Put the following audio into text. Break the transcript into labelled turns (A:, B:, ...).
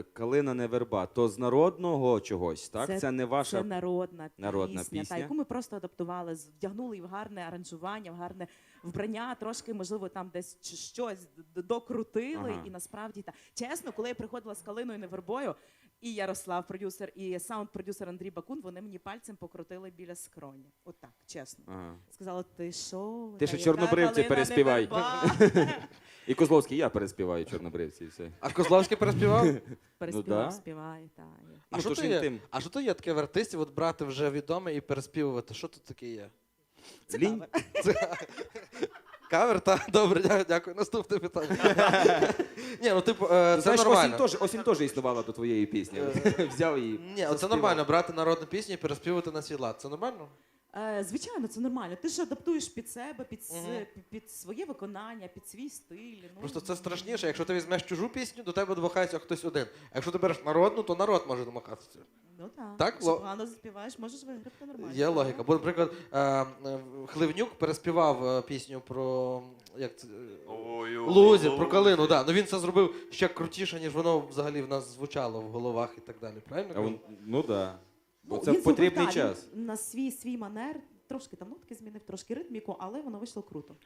A: Калина не верба, то з народного чогось, так? Це не
B: Це
A: ваша
B: народна
A: пісня.
B: Та, яку ми просто адаптували, вдягнули її в гарне аранжування, в гарне вбрання, трошки, можливо, там десь щось докрутили.
A: Ага.
B: І насправді, чесно, коли я приходила з Калиною не вербою, і Ярослав, продюсер, і саунд-продюсер Андрій Бакун, вони мені пальцем покрутили біля скроні. Отак, чесно.
A: Ага.
B: Сказали, ти що?
A: Ти ще «Чорнобривці» переспівай. І Козловський, я переспіваю «Чорнобривці» і все.
C: А Козловський переспівав?
B: Переспівав,
A: да.
B: співає, так.
C: А
A: Ну,
C: що
A: то ж
C: то
A: він
C: є?
A: тим.
C: А що то є таке в артистів, от брати вже відоме і переспівувати? Що тут таке є?
B: Це
A: Лінь?
B: кавер.
C: Кавер? Так, добре, дякую. Наступне питання. Ні, ну типу, це
A: Знаєш,
C: нормально.
A: осінь теж існувала до твоєї пісні. Взяв її.
C: Ні, це
A: заспівав.
C: нормально, брати народну пісню і переспівувати на свій лад. Це нормально?
B: Звичайно, це нормально. Ти ж адаптуєш під себе,
C: Мгм.
B: під своє виконання, під свій стиль. Ну,
C: Просто це страшніше. Якщо ти візьмеш чужу пісню, до тебе домахається хтось один. А якщо ти береш народну, то народ може домахатися.
B: Ну так.
C: Так,
B: Якщо погано заспіваєш, можеш виграти нормально.
C: Є логіка. Бо, наприклад, Хливнюк переспівав пісню про як це, Лузі, про калину. Да. Ну він це зробив ще крутіше, ніж воно взагалі в нас звучало в головах і так далі. Правильно?
A: Ну так. Бо
B: Ну,
A: це
B: він
A: в потрібний
B: зробив,
A: час.
B: він на свій манер, трошки там нотки змінив, трошки ритміку, але воно вийшло круто.